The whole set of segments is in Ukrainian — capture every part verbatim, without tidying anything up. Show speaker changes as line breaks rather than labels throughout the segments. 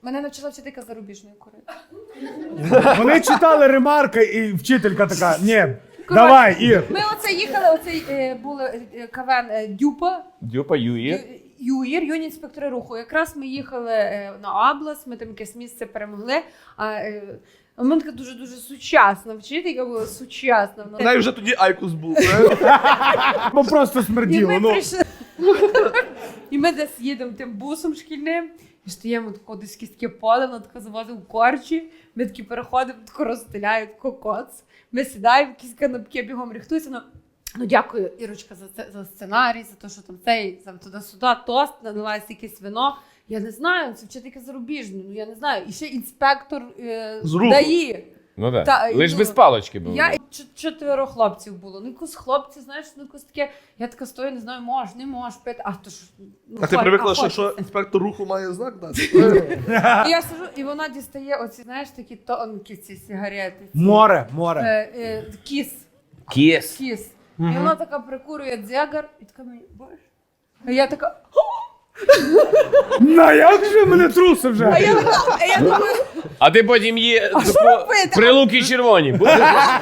Мене навчила вчителька зарубіжної курити.
Вони читали ремарки, і вчителька така: ні, давай, Ір.
Ми оце їхали, оцей е, були е, КВН е, Дюпа.
Дюпа, Юїр.
Ю- Юїр, юні інспектори руху. Якраз ми їхали е, на область, ми там якесь місце перемогли. А е, у мене така дуже-дуже сучасна вчителька була, сучасна. Вона...
Навіть вже тоді Айкус був.
Бо просто
І
смерділо.
ми
Ну.
прийшли. І ми десь їдемо тим бусом шкільним, і стоїмо тако десь кістки поле, вона така завозить в корчі, ми такі переходимо, тако розстеляють кокоц, ми сідаємо, якісь канапки бігом рихтуються. Ну, ну дякую, Ірочка, за це, за сценарій, за те, що там цей, там туди-сюди, тост, наливається якесь вино. Я не знаю, це вчителька зарубіжна, ну я не знаю. І ще інспектор е,
З руху.
дає.
Ну так.
Та,
Лиш
ну,
без палочки було.
Я ч- чотири хлопців було. Ну якось хлопці, знаєш, ну якось таке. Я така стою, не знаю, можеш, не можеш пити. А то ж. Ну,
А ти
хоч-
привикла,
а
що,
хоч.
що інспектор руху має знак дати?
І я сижу, і вона дістає оці, знаєш, такі тонкі ці сигарети. Ці,
Море, море.
Е, е, кіс.
Кіс.
Кіс. І вона така прикурює дзягар, і така мені, боже. А я така.
На як же мене труси вже?
А я така, а я думаю,
А ти потім є
що робити?
прилуки червоні. Будеш?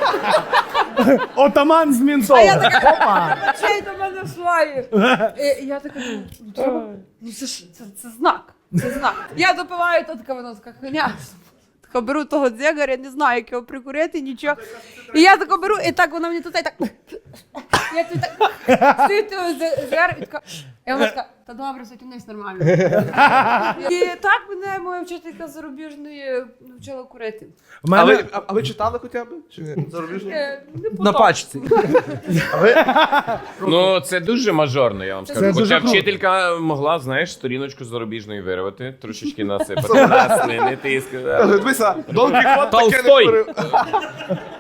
Отаман з Мінцова.
А я така, опа, чей до мене шлає. І я така, ну, ну, треба, ну це ж, це, це знак, це знак. Я допиваю, то така вона така хуйня. Така беру того дзягаря, не знаю, як його прикурити, нічого. І я тако беру, і так вона мені тут і так. Я тут так стою того дзягар, і така. І вона така, та добре, затягнись нормально. І так мене моя вчителька зарубіжної навчила курити.
В
А
мене...
ви, а, а ви читали хоча б? Чи ні? Зарубіжну?
Е, не
На
потом.
пачці.
Ну, це дуже мажорно, я вам
Це
скажу.
дуже
Хоча
круто.
вчителька могла, знаєш, сторіночку зарубіжної вирвати, трошечки насипати. Нас не, не тиск.
Каже, дивися, Дон Кіхот таке не
Толстой.
говорив.